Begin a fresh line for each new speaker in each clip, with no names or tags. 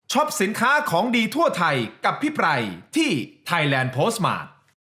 ช็อปสินค้าของดีทั่วไทยกับพี่ไพรที่ Thailand Postmart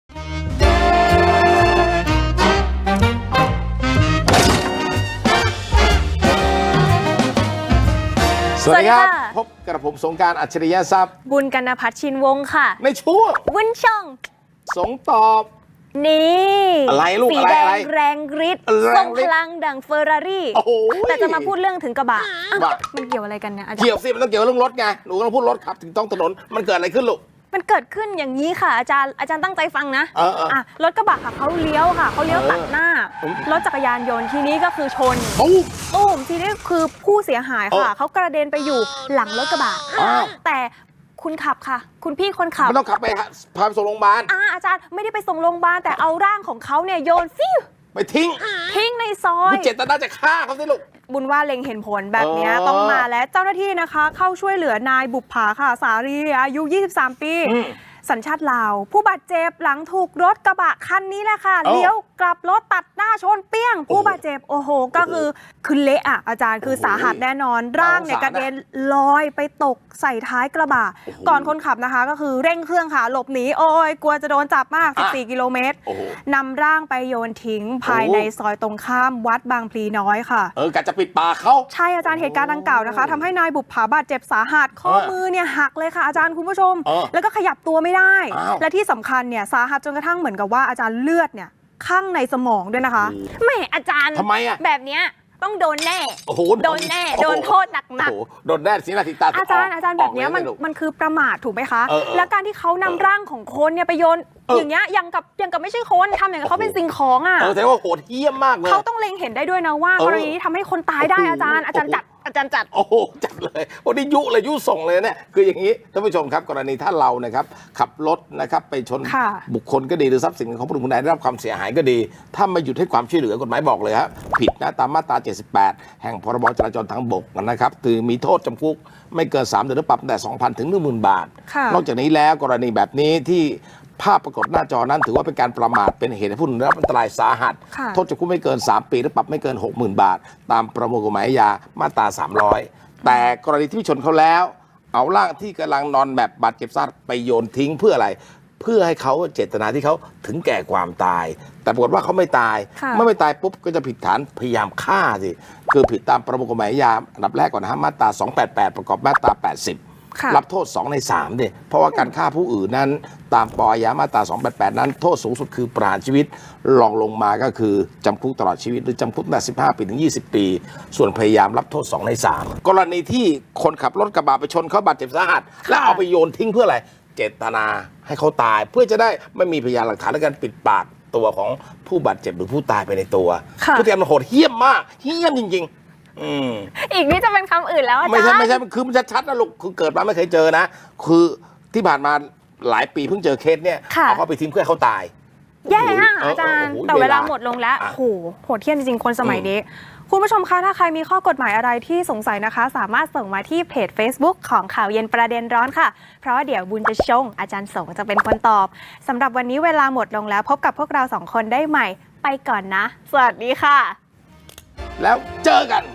สวัสดีครับพบกับผมสงกรานต์อัจฉริยะทรัพย์
บุญกนภัทรชินวงศ์ค่ะ
ในช่วง
วุ้นช่อง
สงตอบ
นี่
อะไรลูก
สีแดงแรงฤทธิ์ทรงพลังดังเฟอร์รารี่แต่จะมาพูดเรื่องถึงกระบะมันเกี่ยวอะไรกันเนี่ยอาจารย์
เกี่ยวสิมันต้องเกี่ยวเรื่องรถไงหนูต้องพูดรถขับถึงท้องถนนมันเกิดอะไรขึ้นลูก
มันเกิดขึ้นอย่างนี้ค่ะอาจารย์ตั้งใจฟังนะรถกระบะค่ะเขาเลี้ยวตัดหน้ารถจักรยานยนต์ทีนี้ก็คือชนตุ้มทีนี้คือผู้เสียหายค่ะเขากระเด็นไปอยู่หลังรถกระบะแต่คุณขับค่ะคุณพี่คนขับ
ไม่ต้องขับไปพาไปส่งโรงพยาบาล
อาจารย์ไม่ได้ไปส่งโรงพยาบาลแต่เอาร่างของเขาเนี่ยโยนฟิว
ไปทิ้ง
ในซอย
เจตนาจะฆ่าเขาสิลูก
บุญว่าเล็งเห็นผลแบบนี้ต้องมาและเจ้าหน้าที่นะคะเข้าช่วยเหลือนายบุปผาค่ะสารีอายุ23 ปีสัญชาติลาวผู้บาดเจ็บหลังถูกรถกระบะคันนี้แหละค่ะเลี้ยวกลับรถตัดหน้าชนเปี้ยงผู้บาดเจ็บโอ้โหก็คือเละอ่ะอาจารย์คือสาหัสแน่นอนร่างเนี่ยกระเด็นลอยไปตกใส่ท้ายกระบะก่อนคนขับนะคะก็คือเร่งเครื่องค่ะหลบหนีโอ้ยกลัวจะโดนจับมาก14 กิโลเมตรนำร่างไปโยนทิ้งภายในซอยตรงข้ามวัดบางพลีน้อยค่ะ
กะจะปิดปากเขา
ใช่อาจารย์เหตุการณ์ดังกล่าวนะคะทำให้นายบุปผาบาดเจ็บสาหัสข้อมือเนี่ยหักเลยค่ะอาจารย์คุณผู้ชมแล้วก็ขยับตัวไม่ได้และที่สำคัญเนี่ยสาหัสจนกระทั่งเหมือนกับว่าอาจารย์เลือดเนี่ยข้างในสมองด้วยนะคะแม่อาจารย์
ทำไมอะ
แบบเนี้ยต้องโดนแน่โดนแน่โดนโทษหนัก
โดนแน่สินาทีตา
อาจารย์แบบนี้มันคือประมาทถูกไหมคะแล้วการที่เขานำร่างของคนเนี่ยไปโยนอย่างเงี้ยยังกับไม่ใช่คนทำอย่างเขาเป็นสิ่งของอ่ะ
แต่ว่าโหดเหี้ยมมากเลย
เขาต้องเล็งเห็นได้ด้วยนะว่ากรณีที่ทำให้คนตายได้อาจารย์จัด
โอ้โหจัดเลยวันนี้ยุส่งเลยเนี่ยคืออย่างนี้ท่านผู้ชมครับกรณีถ้าเรานะครับขับรถนะครับไปชนบุคคลก็ดีหรือทรัพย์สินของผู้อื่นใดได้รับความเสียหายก็ดีถ้าไม่หยุดให้ความช่วยเหลือกฎหมายบอกเลยครับผิดนะตามมาตรา78แห่งพรบจราจรทางบกนะครับคือมีโทษจำคุกไม่เกิน3 เดือนหรือปรับตั้งแต่ 2,000 ถึง 10,000 บาทนอกจากนี้แล้วกรณีแบบนี้ที่ภาพปรากฏหน้าจอนั้นถือว่าเป็นการประมาทเป็นเหตุให้ผู้อื่นได้รับอันตรายสาหัสโทษจำคุกไม่เกิน3 ปีหรือปรับไม่เกิน 60,000 บาทตามประมวลกฎหมายอาญามาตรา300แต่กรณีที่ชนเขาแล้วเอาร่างที่กำลังนอนแบบบาดเจ็บสาหัสไปโยนทิ้งเพื่ออะไรเพื่อให้เขาเจตนาที่เขาถึงแก่ความตายแต่ปรากฏว่าเขาไม่ตายเมื่อไม่ตายปุ๊บก็จะผิดฐานพยายามฆ่าสิคือผิดตามประมวลกฎหมายอาญาอันดับแรกก่อนนะฮะมาตรา288ประกอบมาตรา80รับโทษ2 ใน 3เนี่ยเพราะว่าการฆ่าผู้อื่นนั้นตามปอยามาตรา288นั้นโทษสูงสุดคือประหารชีวิตรองลงมาก็คือจำคุกตลอดชีวิตหรือจำคุกตั้งแต่15 ปีถึง 20 ปีส่วนพยายามรับโทษ2 ใน 3กรณีที่คนขับรถกระบะไปชนเขาบาดเจ็บสาหัสแล้วเอาไปโยนทิ้งเพื่ออะไรเจตนาให้เขาตายเพื่อจะได้ไม่มีพยานหลักฐานในการปิดปากตัวของผู้บาดเจ็บหรือผู้ตายไปในตัวผู้ที่มันโหดเหี้ยมมากเหี้ยมจริงๆ
อีกนี่จะเป็นคำอื่นแล้วอาจารย์
ไม่ใช่คือมันชัดๆนะลูกคือเกิดมาไม่เคยเจอนะคือที่ผ่านมาหลายปีเพิ่งเจอเคสเนี่ยเอาเขาไปทิ้งเพื่อเขาตาย
แย่ฮะอาจารย์แต่เวลาหมดลงแล้วโอ้โหโหดเหี้ยมจริงๆคนสมัยนี้คุณผู้ชมคะถ้าใครมีข้อกฎหมายอะไรที่สงสัยนะคะสามารถส่งมาที่เพจ Facebook ของข่าวเย็นประเด็นร้อนค่ะเพราะว่าเดี๋ยวบุญจะชงอาจารย์สงจะเป็นคนตอบสำหรับวันนี้เวลาหมดลงแล้วพบกับพวกเรา2 คนได้ใหม่ไปก่อนนะสวัสดีค่ะ
แล้วเจอกัน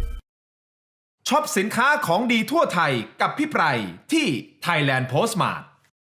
ช็อปสินค้าของดีทั่วไทยกับพี่ไพรที่ Thailand Postmart